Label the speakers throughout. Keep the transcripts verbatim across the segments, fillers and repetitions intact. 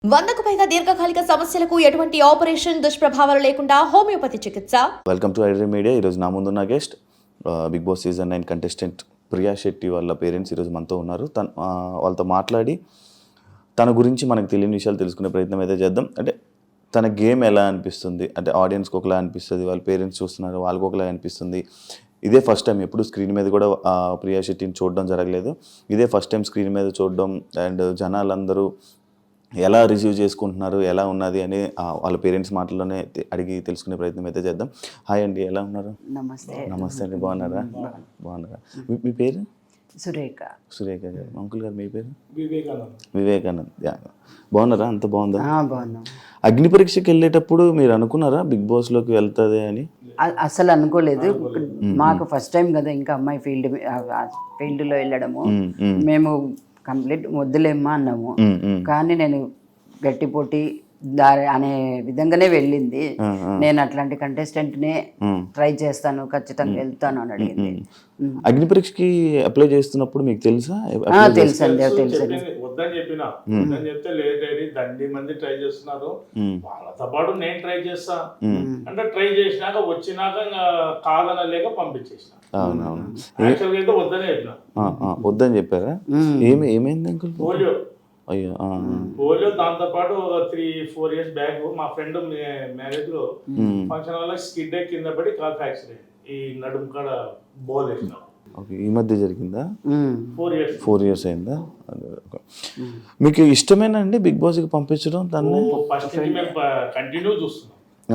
Speaker 1: వందకు పైగా దీర్ఘకాలిక సమస్యలకు ఎటువంటి ఆపరేషన్ దుష్ప్రభావాలు లేకుండా హోమియోపతి చికిత్స.
Speaker 2: Welcome to iDream media. ఈరోజు నా ముందున్న guest Bigg Boss season nine contestant Priya Shetty వాళ్ళ పేరెంట్స్ ఈరోజు మనతో ఉన్నారు. తన వాళ్ళతో మాట్లాడి తన గురించి మనకు తెలియని విషయాలు తెలుసుకునే ప్రయత్నం అయితే చేద్దాం. అంటే తన గేమ్ ఎలా అనిపిస్తుంది, అంటే ఆడియన్స్కి ఒకలా అనిపిస్తుంది, వాళ్ళ పేరెంట్స్ చూస్తున్నారు వాళ్ళకి ఒకలా అనిపిస్తుంది. ఇదే ఫస్ట్ టైం, ఎప్పుడు స్క్రీన్ మీద కూడా ప్రియా శెట్టిని చూడడం జరగలేదు. ఇదే ఫస్ట్ టైం స్క్రీన్ మీద చూడడం అండ్ జనాలందరూ ఎలా రిసీవ్ చేసుకుంటున్నారు, ఎలా ఉన్నది అని వాళ్ళ పేరెంట్స్ మాటల్లోనే అడిగి తెలుసుకునే ప్రయత్నం అయితే చేద్దాం. హాయ్ అండి, ఎలా ఉన్నారు?
Speaker 3: నమస్తే.
Speaker 2: నమస్తే అండి, బాగున్నారా? బాగున్నారా? మీ పేరు?
Speaker 3: సురేఖ.
Speaker 2: సురేఖ గారు. అంకుల్ గారు మీ పేరు?
Speaker 4: వివేకానంద్.
Speaker 2: వివేకానంద్. బాగున్నారా? అంత బాగుందా?
Speaker 3: బాగున్నాం.
Speaker 2: అగ్ని పరీక్షకి వెళ్ళేటప్పుడు మీరు అనుకున్నారా బిగ్ బాస్లోకి వెళ్తుంది అని?
Speaker 3: అసలు అనుకోలేదు. మాకు ఫస్ట్ టైం కదా, ఇంకా అమ్మాయి ఫీల్డ్ ఫీల్డ్లో వెళ్ళడము. మేము కంప్లీట్ వద్దులేమ్మా అన్నాము. కానీ నేను గట్టి పోటీ దారి అనే విధంగానే వెళ్ళింది. నేను అట్లాంటి కంటెస్టెంట్నే ట్రై చేస్తాను, ఖచ్చితంగా వెళ్తాను అని అడిగింది.
Speaker 2: అగ్ని పరీక్షకి అప్లై చేస్తున్నప్పుడు మీకు తెలుసా?
Speaker 3: తెలుసు అండి, తెలుసు.
Speaker 4: వద్దని చెప్పిన వద్దని చెప్తే లేదు, దండి మంది ట్రై చేస్తున్నారు, వాళ్ళతో పాటు నేను ట్రై చేస్తా అంటే ట్రై చేసినాక వచ్చినాక కాదనలేక పంపించేసిన.
Speaker 2: అవునవును,
Speaker 4: యాక్చువల్గా అయితే వద్దని చెప్పిన.
Speaker 2: వద్దని చెప్పారా? ఏమి ఏమైంది అంకుల్?
Speaker 4: పోలియో.
Speaker 2: అయ్యో.
Speaker 4: పోలియో. దాంతో పాటు త్రీ ఫోర్ ఇయర్స్ బ్యాక్ మా ఫ్రెండ్ మ్యారేజ్ లో ఫంక్షన్ వల్ల స్కిడ్ కింద పడి కాల్ ఫ్రాక్చర్ అయింది. ఈ నడుము కాడ బోల్ వేసిన.
Speaker 2: ఈ మధ్య జరిగిందా?
Speaker 4: ఫోర్ ఇయర్స్
Speaker 2: ఫోర్ ఇయర్స్ అయిందా? మీకు ఇష్టమేనా అండి బిగ్ బాస్ కి పంపించడం? దాన్ని
Speaker 4: ఫస్ట్ నుంచి మేము కంటిన్యూ చూస్తున్నాం.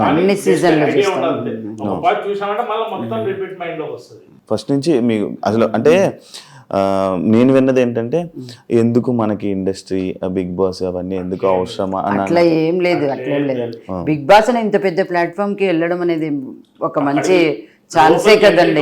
Speaker 4: చూసామంటే మళ్ళీ మొత్తం రిపీట్ మైండ్ లోకి వస్తుంది.
Speaker 2: ఫస్ట్ నుంచి మీకు అసలు అంటే నేను విన్నది ఏంటంటే, ఎందుకు మనకి ఇండస్ట్రీ, బిగ్ బాస్ అవన్నీ ఎందుకు అవసరమా?
Speaker 3: అట్లా ఏం లేదు, అట్లా ఏం లేదు. బిగ్ బాస్ అని ఇంత పెద్ద ప్లాట్ఫామ్ కి వెళ్ళడం అనేది ఒక మంచి ఛాన్సే కదండి.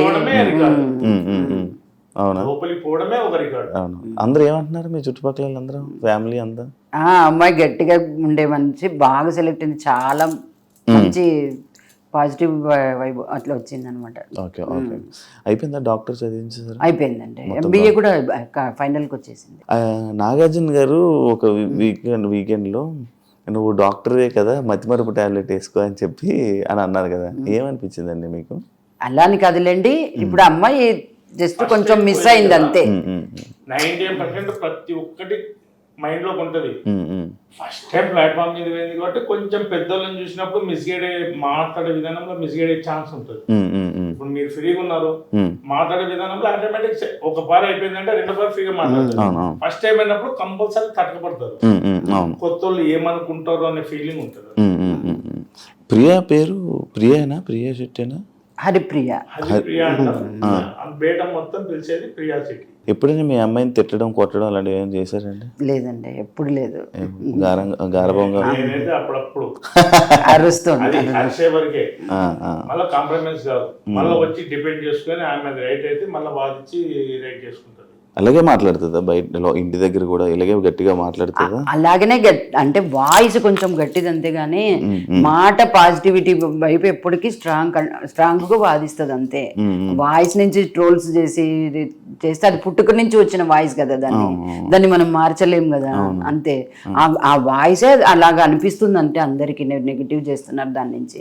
Speaker 2: అవునా? అవును. అందరూ ఏమంటున్నారు మీ చుట్టుపక్కల అందరూ, ఫ్యామిలీ అంతా?
Speaker 3: అమ్మాయి గట్టిగా ఉండే మంచి బాగా సెలెక్ట్ అయింది, చాలా మంచి పాజిటివ్ వైబ్ అట్లా వచ్చింది అనమాట.
Speaker 2: Okay okay. అయిపోయిందా డాక్టర్ చదివించారు?
Speaker 3: అయిపోయిందండి. ఎంబీఏ కూడా ఫైనల్కి వచ్చేసింది.
Speaker 2: నాగార్జున గారు ఒక వీకెండ్ వీకెండ్లో నువ్వు డాక్టరే కదా, మతిమరుపు టాబ్లెట్ వేసుకో అని చెప్పి అని అన్నారు కదా, ఏమనిపించిందండి మీకు?
Speaker 3: అలా అని కాదులేండి, ఇప్పుడు అమ్మాయి జస్ట్ కొంచెం మిస్ అయింది అంతే.
Speaker 4: నైన్టీ పర్సెంట్ ప్రతి ఒక్కటి మైండ్ లోకి ఉంటది. ఫస్ట్ టైం ప్లాట్ఫామ్ మీద పోయింది కాబట్టి కొంచెం పెద్దోళ్ళని చూసినప్పుడు మిస్గైడ్ మాట్లాడే విధానంలో మిస్గైడ్ అయ్యే ఛాన్స్ ఉంటుంది. ఇప్పుడు మీరు ఫ్రీగా ఉన్నారు, మాట్లాడే విధానంలో ఆటోమేటిక్ ఒక పార్ అయిపోయిందంటే రెండో పార్ ఫ్రీగా మాట్లాడతారు. ఫస్ట్ టైం అయినప్పుడు కంపల్సరీ తట్టకపడతారు, కొత్త వాళ్ళు ఏమనుకుంటారు అనే ఫీలింగ్ ఉంటుంది.
Speaker 2: ప్రియా పేరు ప్రియానా? ప్రియా శెట్టేనా?
Speaker 3: హరిప్రియ.
Speaker 4: హరిప్రియ అంటారు. బేట మొత్తం పిలిచేది ప్రియా శెట్టి.
Speaker 2: ఎప్పుడైనా మీ అమ్మాయిని తిట్టడం, కొట్టడం అలాంటివి ఏమైనా చేశారండి?
Speaker 3: లేదండి, ఎప్పుడు లేదు.
Speaker 2: గారభంగా
Speaker 4: అప్పుడప్పుడు
Speaker 3: అరుస్తుంది,
Speaker 4: అరిసే వరకే. మళ్ళీ కాంప్రమైజ్ కాదు, మళ్ళీ వచ్చి డిపెండ్ చేసుకుని ఆమె రైట్ అయితే మళ్ళీ వాదించి రైట్ చేసుకుంటారు.
Speaker 2: అలాగే మాట్లాడుతుందా బయట, ఇంటి దగ్గర కూడా ఇలాగే గట్టిగా మాట్లాడుతుందా?
Speaker 3: అలాగనే అంటే వాయిస్ కొంచెం గట్టిది అంతేగాని మాట పాజిటివిటీ వైపు ఎప్పటికీ స్ట్రాంగ్ స్ట్రాంగ్ గా వాదిస్తుంది అంతే. వాయిస్ నుంచి ట్రోల్స్ చేసి చేస్తే అది పుట్టుక నుంచి వచ్చిన వాయిస్ కదా, దాన్ని దాన్ని మనం మార్చలేం కదా, అంతే. ఆ వాయిసే అలాగా అనిపిస్తుంది అంటే అందరికి నెగిటివ్ చేస్తున్నారు దాని నుంచి.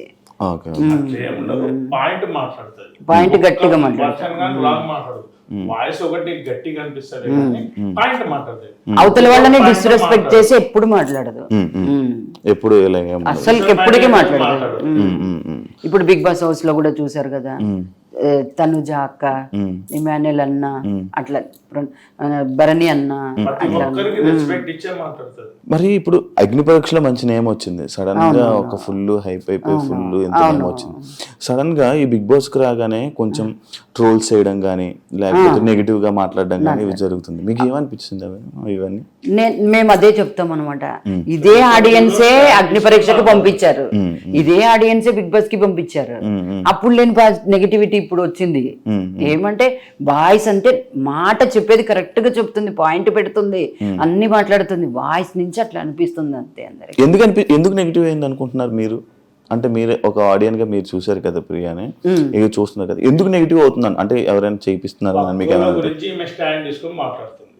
Speaker 4: పాయింట్ మాట్లాడుతుంది,
Speaker 3: పాయింట్ గట్టిగా మాట్లాడుతుంది.
Speaker 4: వాయిస్ ఒకటి గట్టిగా అనిపిస్తుంది, పాయింట్ మాట్లాడుతుంది.
Speaker 3: అవతల వాళ్ళని డిస్రెస్పెక్ట్ చేసి ఎప్పుడు మాట్లాడదు,
Speaker 2: ఎప్పుడు
Speaker 3: అసలు ఎప్పటికీ మాట్లాడదు. ఇప్పుడు బిగ్ బాస్ హౌస్ లో కూడా చూసారు కదా, తనుజ అక్క, ఇమాన్యుల్ అన్న, అట్లా భరణి అన్న.
Speaker 2: మరి ఇప్పుడు అగ్ని పరీక్షలో మంచి నేమ్ వచ్చింది, సడన్ గా ఒక ఫుల్ హైప్ అయిపోయి ఫుల్ ఎంత నేమ్ వచ్చింది. సడన్ గా ఈ బిగ్ బాస్ కి రాగానే కొంచెం ట్రోల్స్ చేయడం కానీ లేకపోతే నెగిటివ్ గా మాట్లాడడం కానీ ఇవి జరుగుతుంది. మీకు ఏమనిపించింది ఇవన్నీ?
Speaker 3: మేము అదే చెప్తాం అనమాట, ఇదే ఆడియన్సే అగ్ని పరీక్షకు పంపించారు, ఇదే ఆడియన్సే బిగ్ బాస్ కి పంపించారు. అప్పుడు లేని నెగిటివిటీ ఇప్పుడు వచ్చింది. ఏమంటే వాయిస్ అంటే మాట చెప్పేది కరెక్ట్ గా చెప్తుంది, పాయింట్ పెడుతుంది, అన్ని మాట్లాడుతుంది, వాయిస్ నుంచి అట్లా అనిపిస్తుంది అంతే అందరికి.
Speaker 2: ఎందుకు అనిపి ఎందుకు నెగిటివ్ అయింది అనుకుంటున్నారు మీరు? అంటే మీరు ఒక ఆడియన్ గా మీరు చూసారు కదా ప్రియాని, ఇక చూస్తున్నారు కదా, ఎందుకు నెగిటివ్ అవుతుందని? అంటే ఎవరైనా చేయిస్తున్నారా? మీకు
Speaker 4: గురించి స్టాండ్ తీసుకొని మాట్లాడుతుంది.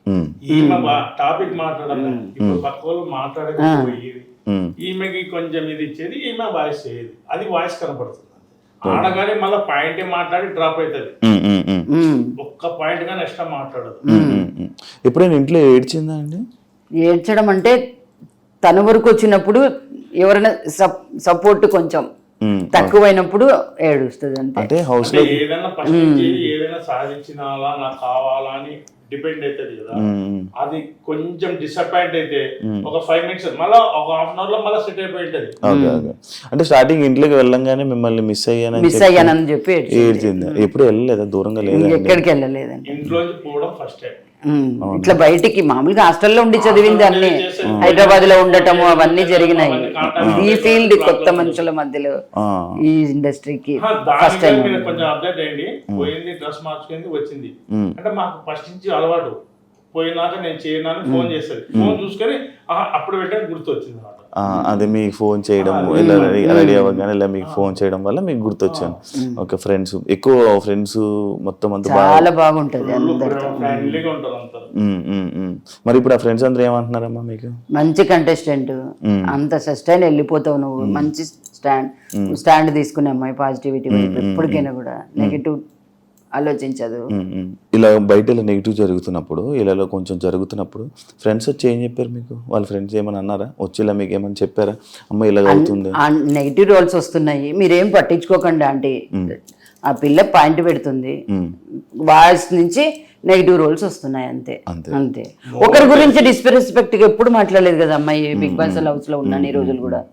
Speaker 2: ఉమ్,
Speaker 4: ఈమె టాపిక్ మాట్లాడాలి ఇప్పుడు పక్క వాళ్ళు మాట్లాడకపోయేది
Speaker 2: ఉమ్,
Speaker 4: ఈమెకి కొంచెం ఇది ఇచ్చేది ఈమె వాయిస్ చేయదు అది వాయిస్ కనపడుతుంది ఆడగానే మళ్ళీ పాయింట్ మాట్లాడి డ్రాప్ అవుతుంది
Speaker 2: ఉమ్, ఉమ్, ఉమ్,
Speaker 3: ఉమ్.
Speaker 4: ఒక్క పాయింట్ గా నెక్స్ట్ మాట్లాడదు
Speaker 2: ఉమ్, ఉమ్, ఉమ్. ఎప్పుడైనా ఇంట్లో ఏడ్చిందా అండి?
Speaker 3: ఏడ్చడం అంటే తన వరకు వచ్చినప్పుడు ఎవరైనా సప్ సపోర్ట్ కొంచెం
Speaker 2: ఉమ్,
Speaker 3: తక్కువైనప్పుడు ఏడుస్తుంది అంతే.
Speaker 2: అంటే హౌస్
Speaker 4: అంటే ఏదైనా ఫస్ట్ నుంచి ఏదైనా సాధించినాలా నాకు కావాలా అని డిపెండ్ అవుతుంది కదా అది కొంచెం డిసప్పాయింట్ అయితే ఒక ఫైవ్ మినిట్స్ మళ్ళీ ఒక హాఫ్ అన్ అవర్ లో మళ్ళీ సెట్ అయిపోయి ఉంటది.
Speaker 2: Okay okay. అంటే స్టార్టింగ్ ఇంట్లోకి వెళ్ళంగానే మిమ్మల్ని మిస్ అయ్యానని
Speaker 3: మిస్ అయ్యానని చెప్పి ఏడ్చింది.
Speaker 2: ఏడ్చింది. ఎప్పుడు వెళ్ళలేదా? దూరంగా లేదా?
Speaker 3: ఎక్కడికి వెళ్ళలేదండి.
Speaker 4: ఇంట్లోంచి పోవడం ఫస్ట్ టైం.
Speaker 3: ఉమ్. ఇట్లా బయటికి మామూలుగా హాస్టల్లో ఉండి చదివింది అన్ని హైదరాబాద్ లో ఉండటము అవన్నీ జరిగినాయి. ఈ ఫీల్డ్ కొత్త మనుషుల మధ్యలో ఈ ఇండస్ట్రీకి ఫస్ట్ టైం.
Speaker 4: దాని కొంచెం అప్డేట్ అయ్యింది పోయింది డ్రెస్ మార్చుకుంది వచ్చింది అంటే మాకు ఫస్ట్ నుంచి అలవాటు పోయినాక నేను చేయనాను ఫోన్ చేస్తుంది ఫోన్ చూసుకొని అప్పుడు పెట్టాను గుర్తు వచ్చింది అన్నమాట.
Speaker 2: అదే మీకు ఫోన్ చేయడం ఇలా రెడీ అవ్వగానే ఇలా మీకు ఫోన్ చేయడం వల్ల మీకు గుర్తొచ్చాను. ఓకే. ఫ్రెండ్స్ ఎక్కువ ఫ్రెండ్స్ మొత్తం అంతా
Speaker 3: చాలా బాగుంటది అందరితో.
Speaker 4: ఫ్రెండ్లీగా ఉంటారు అంతా.
Speaker 2: ఉమ్, ఉమ్, ఉమ్. మరి ఇప్పుడు ఆ ఫ్రెండ్స్ అందరూ ఏమంటున్నారమ్మా మీకు?
Speaker 3: మంచి కంటెస్టెంట్ అంత సస్టైన్ వెళ్ళిపోతావు నువ్వు. మంచి స్టాండ్ స్టాండ్ తీసుకునే అమ్మాయి పాజిటివిటీ వైపు ఎప్పటికైనా కూడా నెగిటివ్ ఆలోచించదు.
Speaker 2: ఇలా బయట ఇలా నెగిటివ్ జరుగుతున్నప్పుడు ఇలా కొంచెం జరుగుతున్నప్పుడు ఫ్రెండ్స్ వచ్చి ఏం చెప్పారు మీకు? వాళ్ళ ఫ్రెండ్స్ ఏమని అన్నారా? వచ్చి ఇలా మీకు ఏమని చెప్పారా? అమ్మ ఇలా అవుతుంది
Speaker 3: నెగిటివ్ రోల్స్ వస్తున్నాయి మీరేం పట్టించుకోకండి ఆంటీ, ఆ పిల్ల పాయింట్ పెడుతుంది, వాయిస్ నుంచి నెగిటివ్ రోల్స్ వస్తున్నాయి అంతే అంతే. ఒకరి గురించి డిస్రెస్పెక్ట్ గా ఎప్పుడు మాట్లాడలేదు కదా అమ్మాయి బిగ్ బాస్ హౌస్ లో ఉన్నాను ఈ రోజులు కూడా.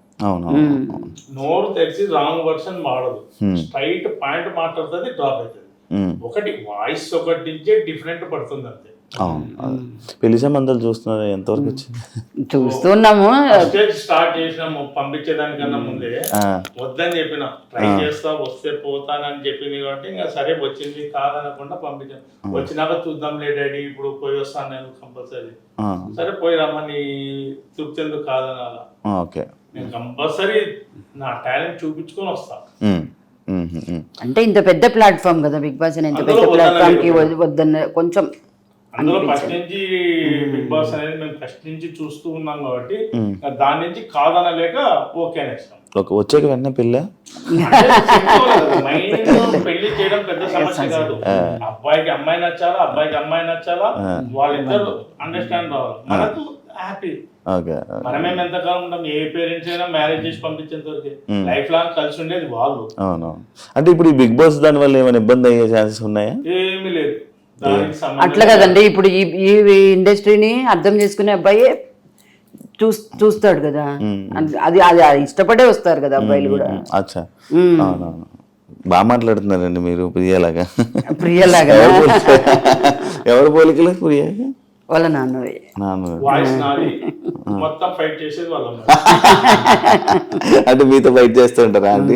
Speaker 4: నోరు తెలిసి రాంగ్ వర్షన్ వాడదు, స్ట్రైట్ పాయింట్ మాట్లాడుతుంది, డ్రాప్ అవుతుంది. ఒకటి వాయిస్ ఒకటి నుంచే డిఫరెంట్ పడుతుంది అంతే.
Speaker 2: పెళ్లి సంబంధాలు చూస్తున్నారు ఎంతవరకు వచ్చింది?
Speaker 3: చూస్తున్నాము.
Speaker 4: స్టార్ట్ చేసినాము పంపించేదానికన్నా ముందే వద్దని చెప్పిన ట్రై చేస్తా వస్తే పోతానని చెప్పింది కాబట్టి ఇంకా సరే వచ్చింది కాదనకుండా పంపించాను. వచ్చినాక చూద్దాంలే డాడీ ఇప్పుడు పోయి వస్తాను నేను కంపల్సరీ. సరే పోయి రమ్మని తృప్తి ఎందుకు కాదనాలా, నేను కంపల్సరీ నా టాలెంట్ చూపించుకొని వస్తా.
Speaker 3: అంటే ఇంత పెద్ద ప్లాట్ఫామ్ కదా బిగ్ బాస్, ఇంత పెద్ద ప్లాట్ఫామ్ కి వద్దన్న కొంచెం
Speaker 4: అందులో ఫస్ట్ నుంచి బిగ్ బాస్ అనేది మేము ఫస్ట్ నుంచి చూస్తూ ఉన్నాం కాబట్టి దాని నుంచి కాదనలేక ఓకే అనేస్తాం.
Speaker 2: వచ్చాక వెంటనే పెళ్ళి
Speaker 4: పెళ్లి చేయడం పెద్ద సమస్య కాదు. అబ్బాయికి అమ్మాయి నచ్చాలా, అబ్బాయికి అమ్మాయి నచ్చాలా, వాళ్ళిద్దరు అండర్స్టాండ్ రావాలి, మనకు హ్యాపీ. మనమేం ఎంతకాలం ఉంటాం, ఏ పేరెంట్స్ అయినా మ్యారేజ్ చేసి పంపించేంత వరకు లైఫ్ లాంగ్ కలిసి ఉండేది వాళ్ళు.
Speaker 2: అంటే ఇప్పుడు ఈ బిగ్ బాస్ దాని వల్ల ఏమైనా ఇబ్బంది అయ్యే ఛాన్సెస్ ఉన్నాయా?
Speaker 4: ఏమీ లేదు.
Speaker 3: అట్లా కదండి, ఇప్పుడు ఈ ఇండస్ట్రీని అర్థం చేసుకునే అబ్బాయి చూ చూస్తాడు కదా, అది అది ఇష్టపడే వస్తారు కదా అబ్బాయిలు కూడా.
Speaker 2: అచ్చా, బాగా మాట్లాడుతున్నారండి మీరు. ప్రియలాగా
Speaker 3: ప్రియలాగా
Speaker 2: ఎవరు పోలికలు? ప్రియాగా
Speaker 3: వాళ్ళ నాన్నవి.
Speaker 2: అంటే మీతో ఫైట్ చేస్తుంటారా అండి?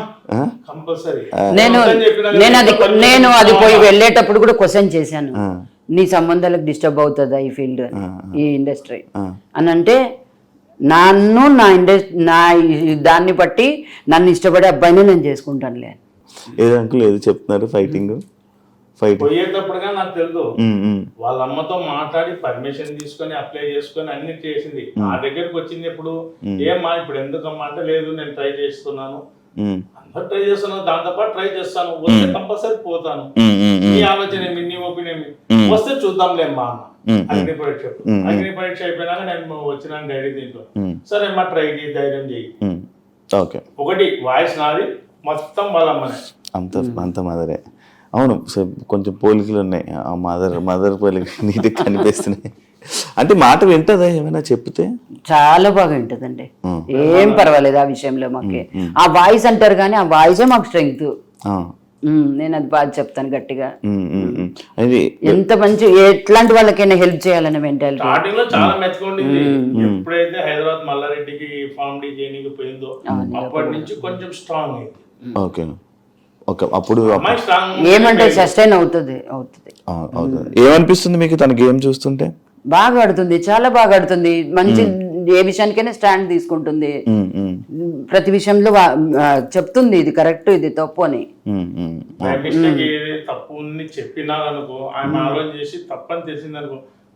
Speaker 3: నేను నేను అది నేను అది పోయి వెళ్ళేటప్పుడు కూడా క్వశ్చన్ చేశాను, నీ సంబంధాలకు డిస్టర్బ్ అవుతుందా ఈ ఫీల్డ్ ఈ ఇండస్ట్రీ అని. అంటే నన్ను నా ఇండస్ట్రీ నా దాన్ని బట్టి నన్ను ఇష్టపడే అబ్బాయిని నేను చేసుకుంటానులే.
Speaker 2: ఏదో అంకుల్ ఏదో చెప్తున్నారు ఫైటింగ్
Speaker 4: పోయేటప్పుడుగా నాకు తెలుసు వాళ్ళ అమ్మతో మాట్లాడి పర్మిషన్ తీసుకొని అప్లై చేసుకొని అన్ని చేసింది. నా దగ్గరకు వచ్చింది ఎప్పుడు ఏమ్మా ఇప్పుడు ఎందుకమ్మా అంటే లేదు నేను ట్రై చేస్తున్నాను, అందరు ట్రై చేస్తున్నాను, దాంతో పాటు ట్రై చేస్తాను, వస్తే కంపల్సరీ పోతాను, నీ ఆలోచన ఏమి, నీ ఒపీనియన్ వస్తే చూద్దాంలేమ్మా అన్న. అగ్ని పరీక్ష అగ్ని పరీక్ష అయిపోయినాక నేను వచ్చినాను డాడీ దీంట్లో. సరే అమ్మా ట్రై చేయి, ధైర్యం చేయి. ఒకటి వాయిస్ నాది, మొత్తం వాళ్ళ అమ్మనే,
Speaker 2: అంత అంత మదరే. అవును, కొంచెం పోలికలు ఉన్నాయి. ఆ మదర్ మదర్ పోలికలు నీటికి కనిపిస్తున్నాయి. అంటే మాట వింటదా ఏమైనా చెప్తే?
Speaker 3: చాలా బాగా వింటదండి, ఏం పర్వాలేదు ఆ విషయంలో. మాకే ఆ వాయిస్ అంటారు కానీ ఆ వాయిసే మాకు స్ట్రెంగ్త్. నేను అది బాగా చెప్తాను గట్టిగా. ఎంత మంచి ఎట్లాంటి వాళ్ళకైనా హెల్ప్ చేయాలనే మెంటాలిటీ.
Speaker 4: స్టార్టింగ్ లో చాలా మెచ్చుకోండింది. ఎప్పుడైతే హైదరాబాద్ మల్లారెడ్డికి ఫార్మ్ డి చేయడానికి పోయిందో అప్పటి నుంచి కొంచెం స్ట్రాంగ్ అయింది.
Speaker 2: ఓకే, అప్పుడు
Speaker 3: ఏమంటే సస్టైన్ అవుతుంది అవుతుంది
Speaker 2: ఏమనిపిస్తుంది మీకు తన గేమ్ చూస్తుంటే?
Speaker 3: బాగా ఆడుతుంది, చాలా బాగా ఆడుతుంది. మంచి ఏ విషయానికైనా స్టాండ్ తీసుకుంటుంది, ప్రతి విషయంలో చెప్తుంది ఇది కరెక్ట్ ఇది తప్పు అని.
Speaker 4: తప్పు చెప్పినారనుకో, ఆయన ఆలోచన చేసి తప్పని తెలిసిందనుకో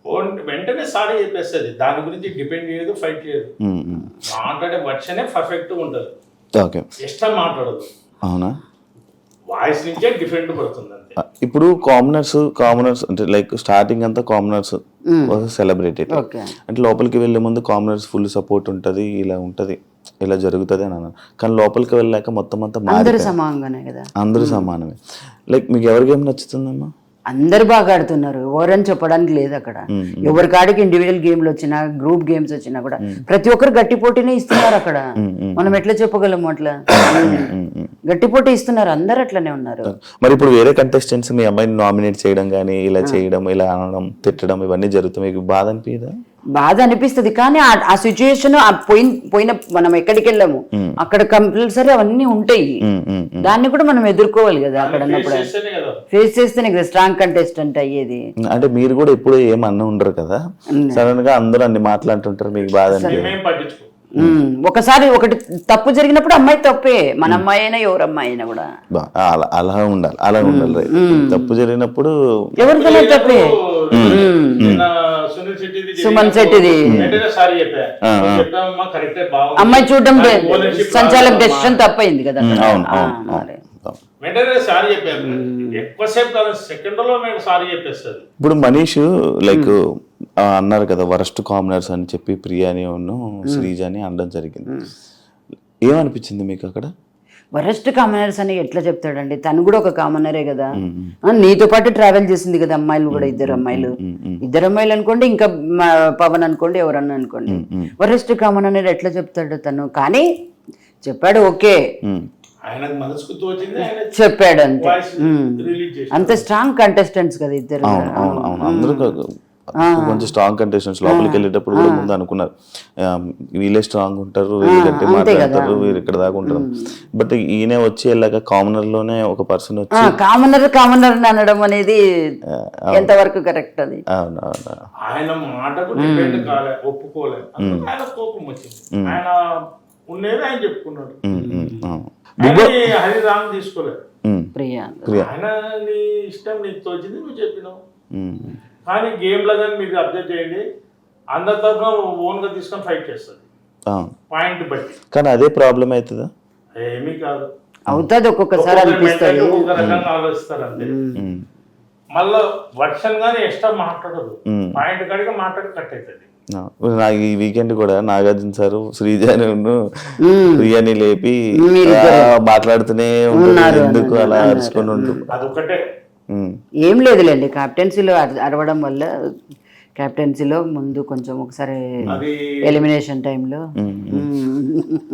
Speaker 4: ఓన్- వెంటనే సారీ చెప్పేస్తుంది, దాని గురించి డిపెండ్ చేయదు, ఫైట్ చేయదు.
Speaker 2: Um, um.
Speaker 4: మాట్లాడే వర్షనే పర్ఫెక్ట్ ఉంటుంది,
Speaker 2: ఓకే,
Speaker 4: ఎక్స్ట్రా మాట్లాడదు,
Speaker 2: అవునా.
Speaker 4: వాయిస్ నుంచే డిఫరెంట్ పడుతుంది అంతే.
Speaker 2: ఇప్పుడు కామనర్స్ కామనర్స్ అంటే లైక్ స్టార్టింగ్ అంతా కామనర్స్ సెలబ్రేటెడ్,
Speaker 3: ఓకే.
Speaker 2: అంటే లోపలికి వెళ్ళే ముందు కామనర్స్ ఫుల్ సపోర్ట్ ఉంటుంది, ఇలా ఉంటుంది, ఇలా జరుగుతుంది అని అన్నారు. కానీ లోపలికి వెళ్ళాక మొత్తం అంతా
Speaker 3: అందరూ
Speaker 2: మారిపోయింది.
Speaker 3: సమానంగానే కదా,
Speaker 2: అందరూ సమానమే. లైక్ మీకు ఎవరి గేమ్ నచ్చుతుందమ్మా?
Speaker 3: అందరు బాగా ఆడుతున్నారు, ఎవరని చెప్పడానికి లేదు అక్కడ. ఎవరి కాడికి ఇండివిజువల్ గేమ్లు వచ్చినా గ్రూప్ గేమ్స్ వచ్చినా కూడా ప్రతి ఒక్కరు గట్టి పోటీనే ఇస్తున్నారు అక్కడ. మనం ఎట్లా చెప్పగలము అట్లా? గట్టి పోటీ ఇస్తున్నారు, అందరు అట్లనే ఉన్నారు.
Speaker 2: మరి ఇప్పుడు వేరే కంటెస్టెంట్స్ మీ అమ్మాయిని నామినేట్ చేయడం కానీ ఇలా చేయడం, ఇలా అనడం, తిట్టడం ఇవన్నీ జరుగుతాయి, మీకు బాధ అనిపించదా?
Speaker 3: బాధ అనిపిస్తుంది, కానీ ఆ- ఆ సిచ్యుయేషన్ పోయిన పోయిన మనం ఎక్కడికి వెళ్ళాము అక్కడ కంపల్సరీ అవన్నీ ఉంటాయి, దాన్ని కూడా మనం ఎదుర్కోవాలి కదా అక్కడ ఉన్నప్పుడు.
Speaker 4: చేస్తేనే కదా
Speaker 3: ఫేస్ చేస్తేనే కదా స్ట్రాంగ్ కంటెస్టెంట్ అయ్యేది.
Speaker 2: అంటే మీరు కూడా ఎప్పుడు ఏమన్నా ఉండరు కదా, సడన్ గా అందరూ అన్ని మాట్లాడుతుంటారు, మీకు బాధ అనిపించదు?
Speaker 4: మేమేం పట్టించుకో.
Speaker 3: ఉమ్, ఒకసారి ఒకటి తప్పు జరిగినప్పుడు అమ్మాయి తప్పే, మన అమ్మాయి అయినా ఎవరు అమ్మాయి అయినా కూడా
Speaker 2: బా- అలా అలా ఉండాలి, అలా ఉండాలి. రైట్. తప్పు జరిగినప్పుడు
Speaker 3: ఎవరికైనా తప్పే.
Speaker 4: నిన్న సునీల్ శెట్టిది
Speaker 3: సుమన్ శెట్టిది
Speaker 4: వెంటనే సారీ చెప్పా, చెప్పామమ్మా కరెక్టే, బాగుంది.
Speaker 3: అమ్మాయి చూడడం
Speaker 4: దానికి ownership
Speaker 3: సంచాలక
Speaker 4: రాదు
Speaker 3: డెసిషన్
Speaker 4: అమ్మా.
Speaker 3: తప్పైంది కదా అక్కడ.
Speaker 2: అవును
Speaker 3: ఆ,
Speaker 2: అవును
Speaker 3: మరి.
Speaker 2: అవును.
Speaker 4: వెంటనే సారీ చెప్పాను, ఎక్కువసేపు కాదు, సెకండ్ లో మేము సారీ చెప్పేస్తుంది.
Speaker 2: ఇప్పుడు మనీష్ లైక్ ఆ, అన్నారు కదా వరస్ట్ కామనర్స్ అని చెప్పి ప్రియాని ఉన్ను శ్రీజాని అనడం జరిగింది. ఏమనిపించింది మీకు అక్కడ?
Speaker 3: వరస్ట్ కామనర్స్ అని ఎట్లా చెప్తాడండి, తను కూడా ఒక కామనరే కదా. ఆ, నీతో పాటు ట్రావెల్ చేసింది కదా అమ్మాయిలు కూడా, ఇద్దరు అమ్మాయిలు ఇద్దరు అమ్మాయిలు అనుకోండి, ఇంకా మా పవన్ అనుకోండి, ఎవరన్నా అనుకోండి. వరస్ట్ కామన్ అనేది ఎట్లా చెప్తాడు తను? కానీ చెప్పాడు, ఓకే
Speaker 4: ఆయనకు మనసుకు తోచింది ఆయన
Speaker 3: చెప్పాడు అంతే.
Speaker 4: వాయిస్
Speaker 3: ఉమ్.
Speaker 4: రిలీజ్ చేసి
Speaker 3: అంత స్ట్రాంగ్ కంటెస్టెంట్స్ కదా ఇద్దరు.
Speaker 2: అవును అవును అవును అందరూ కా- కొంచెం స్ట్రాంగ్ కంటెస్టెంట్స్ లోపలికి వెళ్ళేటప్పుడు కూడా ముందు అనుకున్నారు ఆ, వీళ్ళే స్ట్రాంగ్ ఉంటారు, వీళ్ళు గట్టి మాట్లాడతారు, వీళ్ళు ఇక్కడ దాకా ఉంటారు. బట్ ఈయన వచ్చి వెళ్ళాక కామనర్ లోనే ఒక పర్సన్ వచ్చి
Speaker 3: కామనర్ కామనర్ అనడం అనేది ఎంతవరకు కరెక్ట్ అది?
Speaker 2: అవును అవును
Speaker 4: ఆయన మాటకు డిపెండ్ కాలే, ఒప్పుకోలే, అందుకు ఆయన కోపం వచ్చింది. ఆయన ఉండేది ఆయన చెప్పుకున్నాడు,
Speaker 2: ఉమ్, ఉమ్, అవును.
Speaker 4: ఆయన హరి రాంగ్ తీసుకోలేదు.
Speaker 2: ఉమ్,
Speaker 3: ప్రియా
Speaker 2: ప్రియా
Speaker 4: ఆయన నీ ఇష్టం, నీకు తోచింది నువ్వు చెప్పినావు.
Speaker 2: ఉమ్,
Speaker 4: కానీ గేమ్ లో కానీ మీరు అబ్జర్వ్ చేయండి, అందరి తరఫున ఓన్ గా తీసుకొని ఫైట్ చేస్తుంది
Speaker 2: అవును.
Speaker 4: పాయింట్ బట్టి.
Speaker 2: కానీ అదే ప్రాబ్లం అవుతుందా?
Speaker 4: ఏమీ కాదు,
Speaker 3: అవుతుంది, ఒక్కొక్కసారి
Speaker 4: ఒక్కొక్కరి
Speaker 3: అనిపిస్తుంది.
Speaker 4: mentality ఒక్కొక్క రకంగా ఆలోచిస్తారు అంతే.
Speaker 2: ఉమ్,
Speaker 4: మళ్ళా వర్షన్ గానీ ఎక్స్ట్రా మాట్లాడదు,
Speaker 2: ఉమ్.
Speaker 4: పాయింట్ కాడిగా మాట్లాడి కట్ అవుతుంది.
Speaker 2: నాకు ఈ వీకెండ్ కూడా నాగార్జున సార్ శ్రీజాని ప్రియాని లేపి
Speaker 3: మీరిద్దరు
Speaker 2: ఆ, మాట్లాడుతూనే ఉంటారు, ఎందుకు అలా అరుచుకొని ఉంటుంది.
Speaker 4: అదొకటే.
Speaker 2: ఉమ్,
Speaker 3: ఏం లేదులేండి, క్యాప్టెన్సీలో అర- అరవడం వల్ల క్యాప్టెన్సీలో ముందు కొంచెం ఒకసారి
Speaker 4: అది
Speaker 3: ఎలిమినేషన్ టైంలో
Speaker 2: ఉమ్, ఉమ్.